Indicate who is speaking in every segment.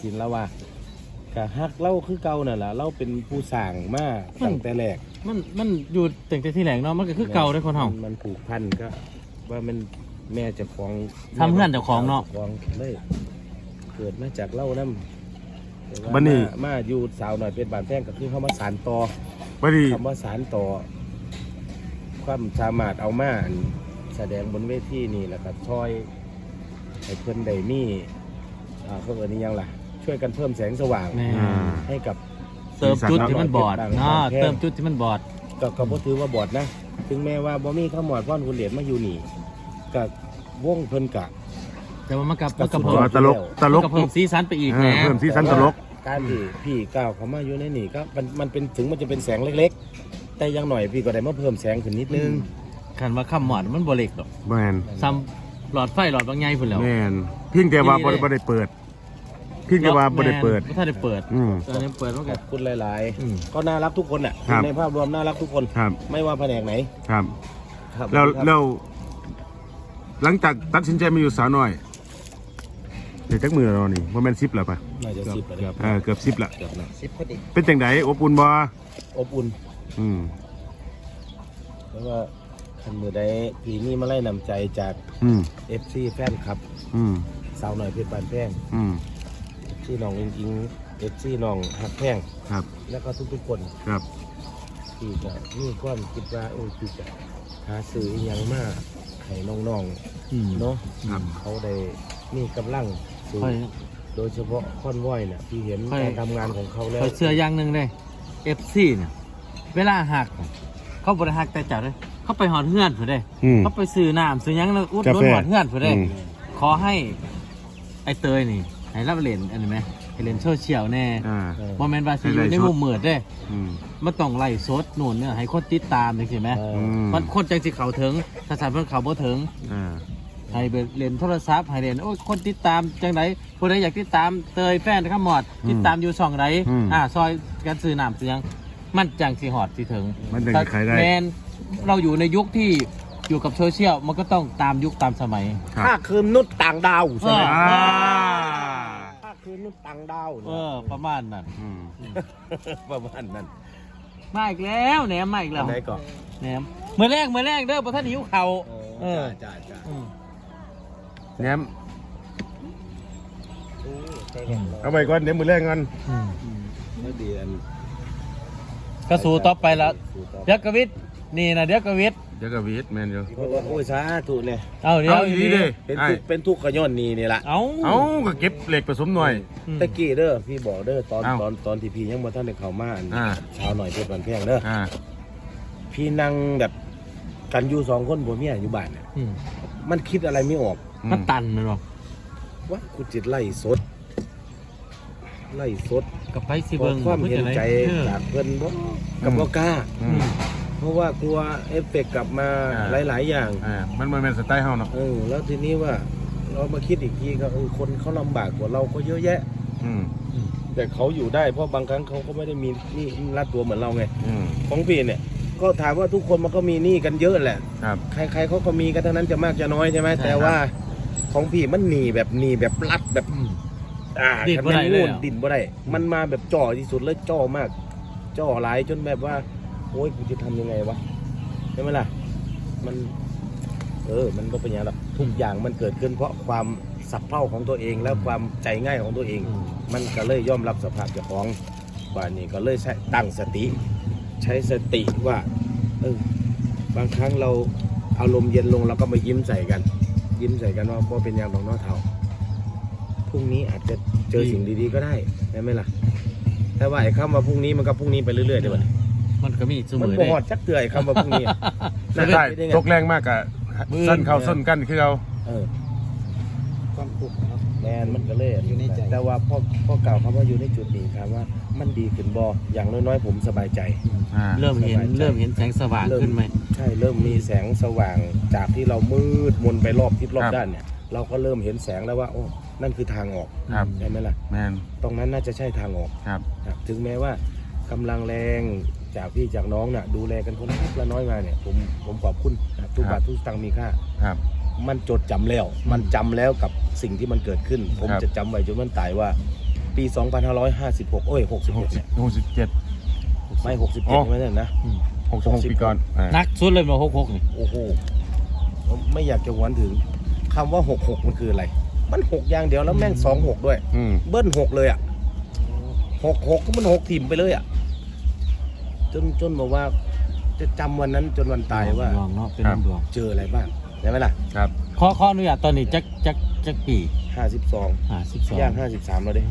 Speaker 1: สินแล้วว่าก็ฮักเล่าคือเก่านั่นล่ะเราเป็นผู้สร้างมาตั้งแต่แรก
Speaker 2: มันอยู่ตั้งแต่ที่แรกเนาะมันก็คือเก่าได้คนเฮา
Speaker 1: มันผูกพันก็ว่ามันแม่เจ้าของ
Speaker 2: ทำเพื่อนเจ้าของเนาะ
Speaker 1: เลยเกิดมาจากเล่านำ
Speaker 3: บัดนี้
Speaker 1: มาอยู่สาวหน่อยเป็นบานแพงก็คือเฮามาสานต่อ
Speaker 3: บัดนี้
Speaker 1: คำว่าสานต่อความสามารถเอามาแสดงบนเวทีนี่แหละครับช่วยให้เพื่อนได้มีเพิ่มนี้ยังล่ะช่วยกันเพิ่มแสงสว่างให้กับ
Speaker 2: เติมจุดที่มันบอดเนาะเติมจุดที่มันบอด
Speaker 1: ก็บ่ถือว่าบอดนะถึงแม้ว่าบ่มีข้าวหมอดพ่อนคุณเดชมาอยู่นี่กับวงเพิ่นกะ
Speaker 2: แต่ว่ามันกับเพิ่ม
Speaker 3: ตลก
Speaker 2: กับเพิ่มสีสันไปอีกนะ
Speaker 3: เพิ่มสีสันตลก
Speaker 1: การที่พี่ก้าวเขามาอยู่ในนี่ก็มันเป็นถึงมันจะเป็นแสงเล็กๆแต่ยังหน่อยพี่ก็ได้มาเพิ่มแสงขึ้นนิดนึง
Speaker 2: คันว่าข้ามหมอดมันบ่เล็กดอก
Speaker 3: แม่น
Speaker 2: ซ้ำหลอดไฟหลอดบางใหญ่พุ่นแล้ว
Speaker 3: แม่นเพียงแต่ว่าบ่ได้เปิดเพียงแต่ว่าบ่ได้เปิด
Speaker 2: บ่ทันได้เปิดตอนนี้เปิดมันก็
Speaker 1: คุณหลายๆก็น่ารักทุกคนน่ะในภาพรวมน่ารักทุกคนไม่ว่าแผนกไหน
Speaker 3: ครับแล้วหลังจากตัดสินใจมาอยู่สาวน้อยเดี๋ยวจักมือเรานี่ว่าแม่น10แล้วป่ะ
Speaker 1: น่าจะ10แล้ว
Speaker 3: เกือบ10ละ
Speaker 1: เกือบนะ10พอดี
Speaker 3: เป็นจังไดอบอุ่นบ่
Speaker 1: อบอุ่นเพราะว่าคันมือได้พี่นี่มาไล่นำใจจากFC แฟนคลับสาวหน่อยเพชรบานแพงFC น้องจริงๆ FC น้องหักแพง
Speaker 3: ครับ
Speaker 1: แล้วก็ทุกๆคน
Speaker 3: ครับ
Speaker 1: ที่จะมีความคิดว่าที่จะหาซื้อยังมากให้น้องๆเนาะเขาได้มีกำลังสูงโดยเฉพาะค่อนว้อยเนี่ยพี่เห็นการทำงานของเขาแล้ว
Speaker 2: เชื่ออย่างหนึ่งเลย FC เนี่ยเวลาหักเขาบริหักแต่จัดเลยเขาไปหอดเฮือนผู้ใดเขาไปซื้อน้ำซื้อยังแล้วอุดหนุนหอดเฮือนผู้ใดขอให้ไอเตยนี่ให้รับเล่นอันนี้ไหมให้เล่นโซเชียลแน่โมเมนต์ว่าสิอยู่ในมุมมืดเด้มันต้องไล่สดหนุนเนี่ยให้คนติดตามจริงๆไหมมันคนจังสิเขาถึงถ้าสารเพิ่นเขาบ่ถึงให้เล่นโทรศัพท์ให้เล่นโอ้คนติดตามจังไดผู้ใดอยากติดตามเตยแฟนข้ามหมอดติดตามอยู่ช่องไหนซอยกันซื้อน้ำซื้อยังมันจังสิหอดสิถึงแมนเราอยู่ในยุคที่อยู่กับโซเชียลมันก็ต้องตามยุคตามสมัย
Speaker 1: ถ้าคืนนุษย์ต่างดาวใช่ไหมถ้าคืนนุษย์ต่างดาว
Speaker 2: ประมาณนั้น
Speaker 1: ประมาณนั้น
Speaker 2: มาอีกแล้วแหนมมาอีกแล้ว
Speaker 1: ไหนก่อน
Speaker 2: แหนมเมื่อแรกเด้อพอท่านหิวเข่า
Speaker 1: จ้า
Speaker 3: แหนมเอาไปก่อนเดี๋ยวมือแรกกัน
Speaker 1: ไม่ดีอัน
Speaker 2: ก็สู้ต่อไปแล้วเดี๋ยวกวิทนี่นะเดี๋ยวกวิท
Speaker 3: แมนอยู่
Speaker 1: โอ้ยสาธุเนี่ย
Speaker 2: เดี๋ยว
Speaker 3: ดีเลย
Speaker 1: เป็นทุกขย้อนนี่แหละ
Speaker 3: เอาก็เก็บเหล็กผสมหน่อย
Speaker 1: ตะกี้เด้อพี่บอกเด้อตอนที่พี่ยังมาท่านได้เข้ามาชาวหน่อยเพชรบานแพงเด้อพี่นั่งแบบกันอยู่2คนผัวเมียอยู่บ้านเนี่ยมันคิดอะไรไม่ออก
Speaker 2: มันตันมันหรอ
Speaker 1: ว่ากูจิตไล่สด
Speaker 2: กับไปสิเบิ้ง
Speaker 1: ความเห็นใจจากเพื่อนบ่กับบ่กล้าเพราะว่ากลัวเอฟเฟกต์กลับมาหลายๆอย่าง
Speaker 3: มันเป็นสไตล์เฮาเนาะ
Speaker 1: แล้วทีนี้ว่าเรามาคิดอีกทีก็คนเขาลำบากกว่าเราก็เยอะแยะแต่เขาอยู่ได้เพราะบางครั้งเขาก็ไม่ได้มีนี่รัดตัวเหมือนเราไงของพี่เนี่ยก็ถามว่าทุกคนมันก็มีหนี้กันเยอะแหละใครเขาก็มีกันทั้งนั้นจะมากจะน้อยใช่ไหมแต่ว่าของพี่มันหนีแบบรัดแบบ
Speaker 2: ดินบ่ได้เลย
Speaker 1: ดินบ่ได้มันมาแบบจ่อที่สุดเลยจ่อมากจ่อหลายจนแบบว่าโอ้ยกูจะทำยังไงวะใช่ไหมล่ะมันมันก็เป็นอย่างนั้นทุกอย่างมันเกิดขึ้นเพราะความสับเพร่าของตัวเองและความใจง่ายของตัวเองมันก็เลยยอมรับสภาพเจ้าของบ้านนี้ก็เลยตั้งสติใช้สติว่าบางครั้งเราอารมณ์เย็นลงเราก็มายิ้มใส่กันว่าเพราะเป็นอย่างของน้องเทาพรุ่งนี้อาจจะเจอสิ่งดีๆก็ได้ใช่ไหมล่ะแต่ว่าไอ้คำว่าพรุ่งนี้มันก็พรุ่งนี้ไปเรื่อยๆเดี๋ยว
Speaker 2: มันก็มีเสมอ
Speaker 1: มันบ่ฮอดจักเตือยคำว่าพรุ่งนี้
Speaker 3: ใช่ตกแรงมากอะสั้นเข่าส้นกันคือเรา
Speaker 1: ความทุกข์แมนมันก็เลยอยู่ในใจแต่ว่าพ่อเก่าคำว่าอยู่ในจุดนี้ครับว่ามันดีขึ้นบ่อย่างน้อยๆผมสบายใจ
Speaker 2: เริ่มเห็นแสงสว่างขึ้นไหม
Speaker 1: ใช่เริ่มมีแสงสว่างจากที่เรามืดมนไปรอบทิศรอบด้านเนี่ยเราก็เริ่มเห็นแสงแล้วว่าโอ้นั่นคือทางออกใช่ไหมล่ะตรงนั้นน่าจะใช่ทางออกถึงแม้ว่ากำลังแรงจากพี่จากน้องน่ะดูแลกันคนละน้อยมาเนี่ยผมขอบคุณทุกบาททุกสตางค์มีค่ามันจดจำแล้วมันจำแล้วกับสิ่งที่มันเกิดขึ้นผมจะจำไว้จนมันตายว่าปี 2556 โอ้ย 66เนี่ย
Speaker 3: 67
Speaker 1: ไม่
Speaker 3: อ๋อ
Speaker 1: 67ไม่ใช่นะ
Speaker 3: 66ปีก่อน
Speaker 2: นักสุดเลยมา66นี่
Speaker 1: โอ้โหไม่อยากจะหวนถึงคำว่า 66 มันคืออะไร มัน 6 อย่างเดียวแล้วแม่ง 26 ด้วย เบิ้ล 6 เลยอ่ะ 66 ก็มัน 6 ถิ่มไปเลยอ่ะ จนบอกว่าจะจำวันนั้นจนวันตายว่า
Speaker 2: ดวงเนาะเป็นดวง
Speaker 1: เจออะไรบ้างใช่ไหมล่ะ
Speaker 3: ครับ
Speaker 2: ขออนุญาตตอนนี้จักปี
Speaker 1: 52 ย่าง 53 แล้วเด้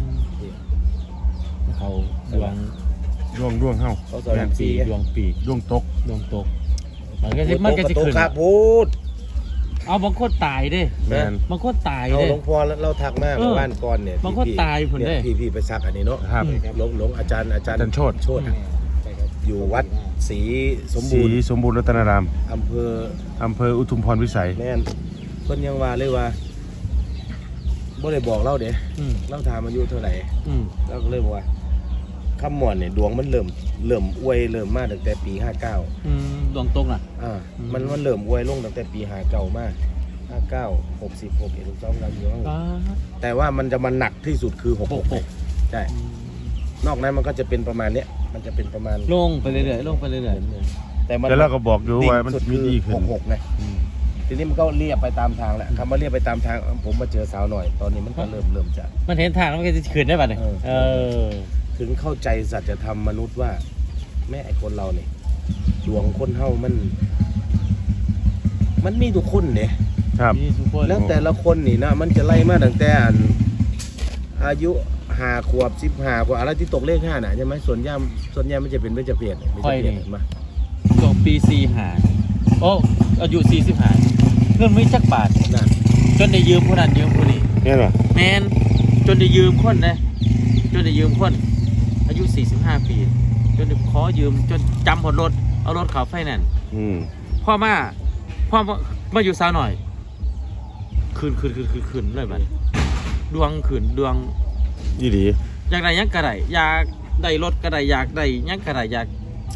Speaker 2: เขาดวง
Speaker 3: ร่วงเฮา
Speaker 1: เขาสอน
Speaker 2: ปี
Speaker 1: ปี
Speaker 2: ดวงปี
Speaker 3: ร่วงตก
Speaker 2: ดวงตกมันก็สิขึ้น
Speaker 1: ครับพูด
Speaker 2: เอาบางคนตายเด้
Speaker 3: แม่น
Speaker 2: บางคนตาย
Speaker 1: เอา
Speaker 2: เด้
Speaker 1: หลวงพ่อเราทักมากเมื่อวานก่อนเนี่ย
Speaker 2: บางคนตายพุ่นเด้
Speaker 1: พี่ไปซักอันนี้เนาะ
Speaker 3: ครับ
Speaker 1: หลวงอาจารย์
Speaker 3: อาจารย์โชติ
Speaker 1: อยู่วัดศรีสม
Speaker 3: ศรี
Speaker 1: บูรณ์
Speaker 3: สมบูรณ์รัตนาราม
Speaker 1: อำเภอ
Speaker 3: อำเภออุทุมพรวิสัย
Speaker 1: แม่นเพิ่นยังว่าเลยว่าบ่ได้บอกเราเด้
Speaker 2: อืม
Speaker 1: เราถามอายุเท่าไหร่
Speaker 2: อืม
Speaker 1: เราก็เลยบอกว่าคำหมอนเนี่ยดวงมันเริ่มอวยเริ่มมาตั้งแต่ปี 59
Speaker 2: ดวงตกน่ะ
Speaker 1: มันเริ่มอวยลงตั้งแต่ปี59มา59 60 61 62กันอยู่ข้างหลังแต่ว่ามันจะมาหนักที่สุดคือ66ใช่นอกนั้นมันก็จะเป็นประมาณเนี้ยมันจะเป็นประมาณ
Speaker 2: ลงไปเรื่อยๆลงไปเรื่อย
Speaker 1: แต่มัน
Speaker 3: แล้วเราก็บอกอยู่ว่ามัน
Speaker 1: สุด
Speaker 3: มี
Speaker 1: คือ
Speaker 3: ดีขึ้น
Speaker 1: 66ไงทีนี้มันก็เรียบไปตามทางแหละคำว่าเรียบไปตามทางผมมาเจอสาวหน่อย ตอนนี้มันก็เริ่มจะ
Speaker 2: ๆมันเห็นทางแล้วมันก็จะขึ้นได้ป่ะเนี่ยอ
Speaker 1: ถึงเข้าใจสัจธรรมมนุษย์ว่า แม่ไอ้คนเราเนี่ยดวงคนเฮามันมีทุกคนเนี่ย
Speaker 3: ครับ
Speaker 2: มีทุกคน
Speaker 1: แล้วแต่ละคนนี่นะมันจะไล่มาตั้งแต่อายุ5 ขวบ 15 ขวบอะไรที่ตกเลข5น่ะใช่ไหมส่วนใหญ่มันจะเป็นเบญจเพศมา
Speaker 2: ช่วงปี45โอ้อายุ45เงินไม่จักบาท
Speaker 1: นั่น
Speaker 2: จนได้ยืมคนนั้นยืมคนนี้
Speaker 3: เนี่ยเหรอ
Speaker 2: แมนจนได้ยืมคนนะจนได้ยืมคนอายุ45 ปีจนได้ขอยืมจนจำหดรถเอารถเขาไฟแนนซ์ พ่อมาอยู่สาวหน่อยคืนเลยบัดดวงขืนดวง
Speaker 3: ยี่ดี
Speaker 2: อยากได้หยังกระไดอยากได้รถกระไดอยากได้หยังกระไดอยาก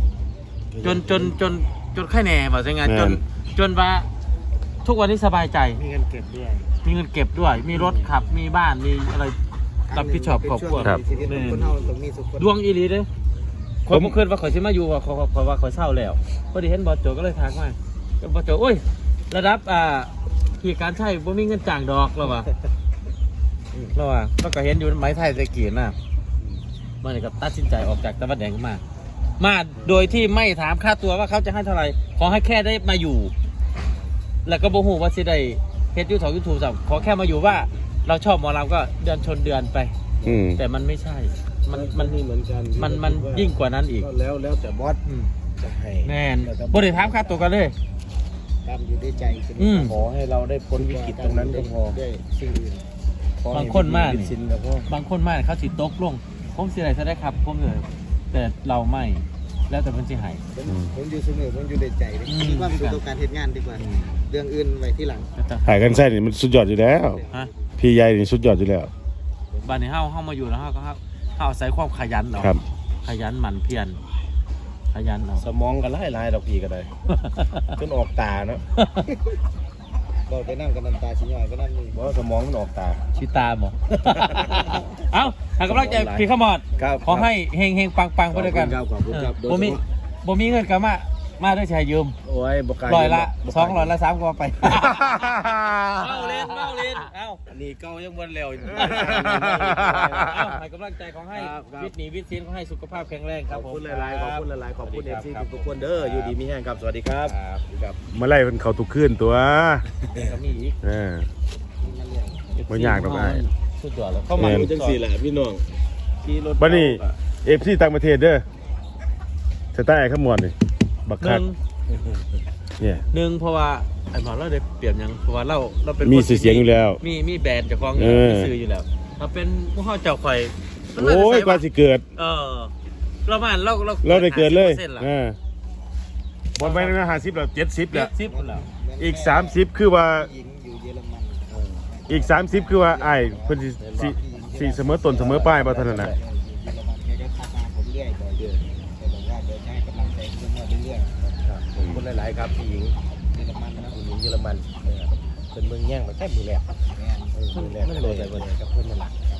Speaker 2: จนแค่แหน่บอกใช่ไงจนว่าทุกวันนี้สบายใจ
Speaker 1: มีเงินเก็บด้วย
Speaker 2: มีเงินเก็บด้วย มีรถขับมีบ้านมีอะไรรับผิดชอบครอบครัว
Speaker 1: ชีวิตของคนเฮาต้องมีสุข
Speaker 2: ดวงอีหลีเด้คนเมื่อคืนว่าข่อยสิมาอยู่ว่าข่อยว่าข่อยเศร้าแล้วพอดีเห็นบอสโจก็เลยทักมาบอสโจโอ้ยระดับขี่การใช้บ่มีเงินจ้างดอกแล้วว่ะแล้วก็เห็นอยู่ไม้ไทยตะกี้น่ะมันก็ตัดสินใจออกจากตะวันแดงมาโดยที่ไม่ถามค่าตัวว่าเขาจะให้เท่าไหร่ขอให้แค่ได้มาอยู่ แล้วก็บ่ฮู้ว่าสิได้เฮ็ดYouTube สักขอแค่มาอยู่ว่าเราชอบหมอลำก็เดือนชนเดือนไปแต่มันไม่ใช่มัน
Speaker 1: นี่เหมือนกัน
Speaker 2: มันยิ่งกว่านั้นอีก
Speaker 1: แล้วแต่บอสจะให้
Speaker 2: แน่นบ่ได้ถามค่าตัวกันเลย
Speaker 1: ตามอยู่ในใจ
Speaker 2: ข
Speaker 1: ขอให้เราได้พ้นวิกฤตตรงนั้นก็พอได้สิ่งอื่น
Speaker 2: บางคนมาก
Speaker 1: สินแล้วก็
Speaker 2: บางคนมากเขาสิตกลงผมสิได้ซะได้ครับผมเลยแต่เราไม่แล้วแต่เพิ่นสิให้
Speaker 4: ผมอยู่เสมอผมอยู่ในใจเลยคิดว่ามันคือการเฮ็ดงานดีกว่า เรื่องอื่นไว้ที่หลัง
Speaker 3: หายกันไส้นี่มันสุดยอดอยู่แล้ว
Speaker 2: ฮะ
Speaker 3: พี่ใหญ่นี่สุดยอดอยู่แล้ว
Speaker 2: บ้านนี้เฮามาอยู่แล้วเฮาอาศัยความขยันเอา
Speaker 3: ครับ
Speaker 2: ขยันหมั่นเพียรขยันเอา
Speaker 1: สมองกันไล่ดอกพีก็ได้จนออกตาเนาะ
Speaker 4: เราไปนั่งกันน้ำตาชิ้นใหญ่ก็นั่นนี่
Speaker 1: เพราะสมองมันออกตา
Speaker 2: ชิตามเหรอ เอ้าให้กำลังใจพี่ขมอด
Speaker 1: ครับ
Speaker 2: ขอให้เฮงๆปังๆไปด้วยกัน
Speaker 1: ขอบคุณครับ
Speaker 2: บ่มีเงินก็มาด้วยชายยืม
Speaker 1: โอ้ยบกล้า
Speaker 2: ร้อยละ
Speaker 1: บ่กล้า
Speaker 2: 200ละ3ก็ไปเมาเล่นเอ้า
Speaker 1: อันนี้เก่ายังบ่แล้วอยู่
Speaker 2: ให้กำลังใจของให้วิทย์หนีวิทย์ศิลป์ขอให้สุขภาพแข็งแรง
Speaker 1: ข
Speaker 2: ครั
Speaker 1: อ
Speaker 2: บบ ผม
Speaker 1: คุณหลายๆขอบคุณหลายๆขอบคุณ FC ทุกๆคนเด้ออยู่ดีมีแห้งครับสวัสดีครับครับ
Speaker 3: เมื่อไรมันเขาตุกขึ้นตัว
Speaker 2: ก็มีอีก
Speaker 3: บ่ยากดอกอ้าย
Speaker 2: สุดยอดแล้วเข้ามา
Speaker 3: แม่น
Speaker 1: จังสี่แหละพี่น้องขี่รถ
Speaker 3: บัดนี้ FC ต่างประเทศเด้อสไตล์ไอ้ขมวดนี่บักคักเนี่ย
Speaker 2: หนึ่งเพราะว่าไอ้หมอเราได้เปรียบหยังเพราะว่าเราเป็น
Speaker 3: มี
Speaker 2: คน
Speaker 3: ชื่อเสียงอยู่แล้ว
Speaker 2: มีแบรนด์เจ้าของอยู่
Speaker 3: เออ
Speaker 2: มีสื่ออยู่แล้วเราเป็นผู้เข้าเจ้าข่อย
Speaker 3: โอ้ยกว่าสิเกิด
Speaker 2: เราเรา
Speaker 3: เราได้เกิดเลย
Speaker 2: 50%ล่ะ
Speaker 3: บอลไปนะ50แล้ว70แล้ว
Speaker 2: 70แล้ว
Speaker 3: อีก30คือว่า
Speaker 4: หญิงอยู่เยอรมัน
Speaker 3: อีก30คือว่าอ้ายเพิ่นสิเสมอต้นเสมอปลายบ่เท่านั้นน่ะ
Speaker 4: เยอรมันแกก็ทักมาผมเรื่อยบ่อยแกบอกว่าเดี๋ยวจะให้กำลังใจเรื่องเรื่อย
Speaker 1: ครับขอบคุณหลายๆครับพี่หญิง
Speaker 4: ๆเยอรมันนะ
Speaker 1: ผู้หญิงเยอรมันเป็นเมืองแย่งมาแค่มือแรก
Speaker 4: แม่น
Speaker 1: มือแรกก็เลยกับเพื่อนมาหลัก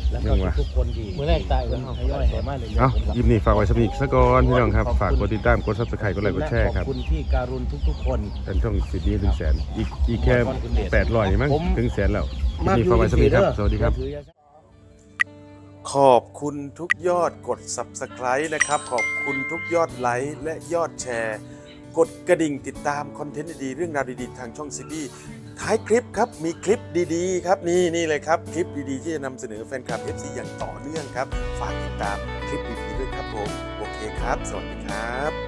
Speaker 1: แล้วก็ทุกคนที่
Speaker 2: มื้อแรกตาย
Speaker 1: เพิ่
Speaker 2: แล้
Speaker 1: น
Speaker 2: ว
Speaker 1: ทยอยแห่มาเรื่อยๆ
Speaker 3: เอ้า
Speaker 1: ผมก็
Speaker 3: ยิมนี่ฝากไว้สำหรับอีกสักก่อนพี่น้องครับฝากกดติดตามกด Subscribe กดไลค์กดแชร์ครับ
Speaker 1: ขอบคุณพี่การุณทุกๆคน
Speaker 3: เป็นช่องสิบนี้ถึงแสนอีกแค่800มั้ง
Speaker 1: ผม
Speaker 3: ถึงแสนแล้วยิมนี่ฝากไว้สำหรับอีกครับสวัสดีครับ ขอบคุณทุกยอดกด Subscribe นะครับ ขอบคุณทุกยอดไลค์และยอดแชร์ กดกระดิ่งติดตามคอนเทนต์ดีๆเรื่องราวดีๆทางช่องซีบีท้ายคลิปครับ มีคลิปดีๆครับนี่เลยครับ คลิปดีๆที่จะนำเสนอแฟนคลับ FC อย่างต่อเนื่องครับ ฝากติดตามคลิปดีๆด้วยครับผม โอเคครับ สวัสดีครับ